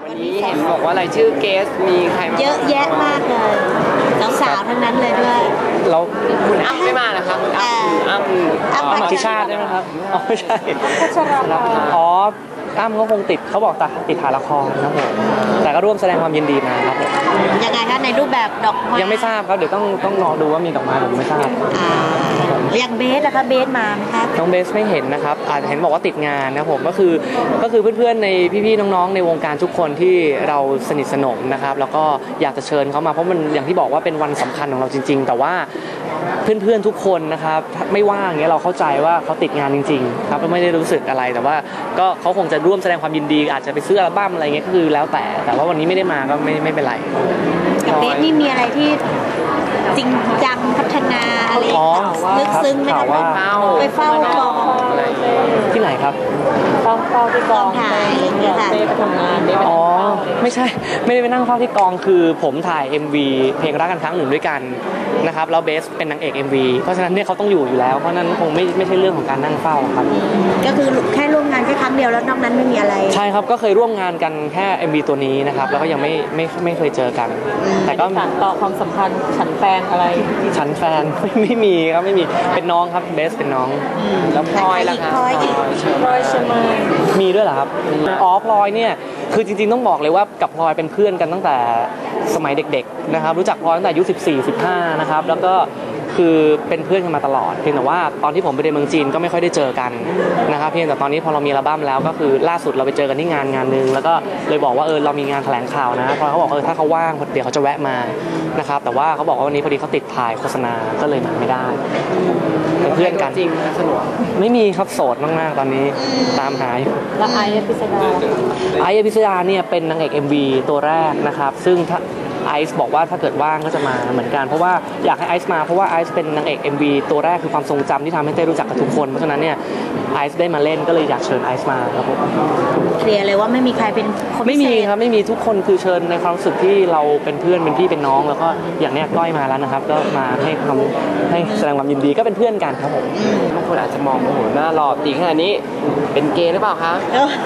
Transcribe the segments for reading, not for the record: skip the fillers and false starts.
วันนี้เห็นบอกว่ารายชื่อเกสมีใครเยอะแยะมากเลยสาวๆทั้งนั้นเลยด้วยแล้วคุณอ้ำไม่มานะคะคุณอ้ำอธิชาติได้ไหมครับอ๋อไม่ใช่พัชราภาอ๋ออ้ำเขาคงติดเขาบอกติดถ่ายละครครับผมแต่ก็ร่วมแสดงความยินดีมาครับผมยังไงคะในรูปแบบดอกไม้ยังไม่ทราบครับเดี๋ยวต้องรอดูว่ามีดอกไม้หรือไม่ทราบอย่างเบสนะคะเบสมาไหมคะน้องเบสไม่เห็นนะครับอาจจะเห็นบอกว่าติดงานนะผมก็คือเพื่อนๆในพี่ๆน้องๆในวงการทุกคนที่เราสนิทสนมนะครับแล้วก็อยากจะเชิญเขามาเพราะมันอย่างที่บอกว่าเป็นวันสำคัญของเราจริงๆแต่ว่าเพื่อนๆทุกคนนะครับไม่ว่างเงี้ยเราเข้าใจว่าเขาติดงานจริงๆครับไม่ได้รู้สึกอะไรแต่ว่าก็เขาคงจะร่วมแสดงความยินดีอาจจะไปซื้ออัลบั้มอะไรเงี้ยก็คือแล้วแต่ว่าวันนี้ไม่ได้มาก็ไม่เป็นไรกับเบสนี่มีอะไรที่จริงจังพัฒนาอะไรลึกซึ้งไหมคะไปเฝ้ากองที่ไหนครับเฝ้าที่กองถ่ายอะไรเงี้ยค่ะไปทำงานอ๋อไม่ใช่ไม่ได้ไปนั่งเฝ้าที่กองคือผมถ่าย MV เพลงรักกันครั้งหนึ่งด้วยกันนะครับแล้วเบสเป็นนางเอก MV เพราะฉะนั้นเนี่ยเขาต้องอยู่แล้วเพราะนั้นคงไม่ใช่เรื่องของการนั่งเฝ้าครับก็คือแค่ร่วมงานแค่ครั้งเดียวแล้วนอกนั้นไม่มีอะไรใช่ครับก็เคยร่วมงานกันแค่ MV ตัวนี้นะครับแล้วก็ยังไม่เคยเจอกันแต่ก็ต่อความสัมพันธ์ฉันแฟนอะไรฉันแฟนไม่มีครับไม่มีเป็นน้องครับเบสเป็นน้องแล้วพลอยล่ะคะพลอยใช่ไหมมีด้วยเหรอครับอ๋อพลอยเนี่ยคือจริงๆต้องบอกเลยว่ากับพลอยเป็นเพื่อนกันตั้งแต่สมัยเด็กๆนะครับรู้จักพลอยตั้งแต่อายุ14-15นะครับแล้วก็คือเป็นเพื่อนกันมาตลอดเพียงแต่ว่าตอนที่ผมไปเรียนเมืองจีนก็ไม่ค่อยได้เจอกันนะครับเพียงแต่ตอนนี้พอเรามีอัลบั้มแล้วก็คือล่าสุดเราไปเจอกันที่งานนึงแล้วก็เลยบอกว่าเรามีงานแถลงข่าวนะพอเขาบอกถ้าเขาว่างเดี๋ยวเขาจะแวะมานะครับแต่ว่าเขาบอกว่าวันนี้พอดีเขาติดถ่ายโฆษณาก็เลยมาไม่ได้เป็นเพื่อนกันจริงนะสนุกไม่มีครับโสดมากๆตอนนี้ตามหาอยู่แล้วไอซ์พิสดาเนี่ยเป็นนางเอก MV ตัวแรกนะครับซึ่งไอซ์บอกว่าถ้าเกิดว่างก็จะมาเหมือนกันเพราะว่าอยากให้ไอซ์มาเพราะว่าไอซ์เป็นนางเอก MV ตัวแรกคือความทรงจำที่ทำให้เต้รู้จักกับทุกคนเพราะฉะนั้นเนี่ยไอซ์ได้มาเล่นก็เลยอยากเชิญไอซ์มาครับผมเคลียร์เลยว่าไม่มีใครเป็นคนไม่มีครับไม่มีทุกคนคือเชิญในความรู้สึกที่เราเป็นเพื่อนเป็นพี่เป็นน้องแล้วก็อย่างเนี้ยก้อยมาแล้วนะครับก็มาให้แสดงความยินดีก็เป็นเพื่อนกันครับผมบางคนอาจจะมองโอ้โหหน้าหล่อตีขนาดนี้เป็นเกย์หรือเปล่าคะ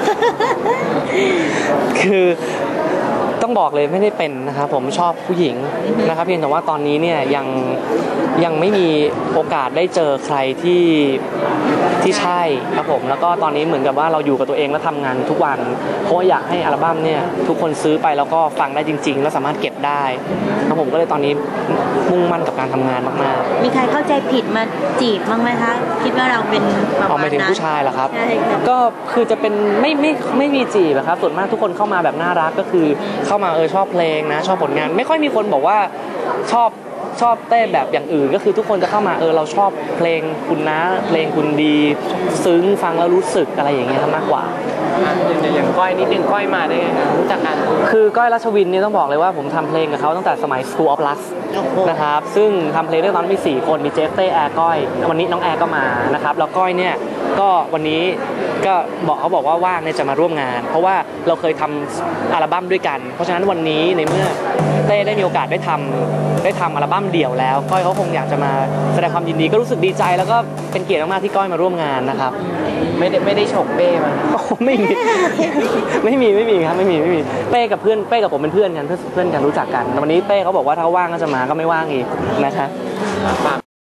คือต้องบอกเลยไม่ได้เป็นนะครับผมชอบผู้หญิงนะครับเพียงแต่ว่าตอนนี้เนี่ยยังไม่มีโอกาสได้เจอใครที่ใช่ครับผมแล้วก็ตอนนี้เหมือนกับว่าเราอยู่กับตัวเองและทำงานทุกวันเพราะอยากให้อัลบั้มเนี่ยทุกคนซื้อไปแล้วก็ฟังได้จริงๆแล้วสามารถเก็บได้ครับผมก็เลยตอนนี้มุ่งมั่นกับการทำงานมากๆมีใครเข้าใจผิดมาจีบบ้างไหมคะคิดว่าเราเป็นประมาณนั้นหมายถึงผู้ชายเหรอครับก็คือจะเป็นไม่มีจีบครับส่วนมากทุกคนเข้ามาแบบน่ารักก็คือเข้ามาชอบเพลงนะชอบผลงานไม่ค่อยมีคนบอกว่าชอบเต้นแบบอย่างอื่นก็คือทุกคนจะเข้ามาเราชอบเพลงคุณนะเพลงคุณดีซึ้งฟังแล้วรู้สึกอะไรอย่างเงี้ยมากกว่าอย่างก้อยนิดนึงก้อยมาได้ไงรู้จักกันคือก้อยรัชวินเนี่ยต้องบอกเลยว่าผมทำเพลงกับเขาตั้งแต่สมัย School of Lux นะครับซึ่งทำเพลงด้วยตอนมี4คนมีเจฟเต้แอร์ก้อยวันนี้น้องแอร์ก็มานะครับแล้วก้อยเนี่ยก็วันนี้ก็เขาบอกว่าว่างเนี่ยจะมาร่วมงานเพราะว่าเราเคยทำอัลบั้มด้วยกันเพราะฉะนั้นวันนี้ในเมื่อเต้ได้มีโอกาสได้ทำอัลบั้มเดี่ยวแล้วก้อยเขาคงอยากจะมาแสดงความยินดีก็รู้สึกดีใจแล้วก็เป็นเกียรติมากๆที่ก้อยมาร่วมงานนะครับไม่ได้ฉกเป้มาไม่มีครับไม่มีเป้กับเพื่อนเป้กับผมเป็นเพื่อนกันรู้จักกันวันนี้เป้เขาบอกว่าถ้าว่างก็จะมาก็ไม่ว่างอีกนะครับ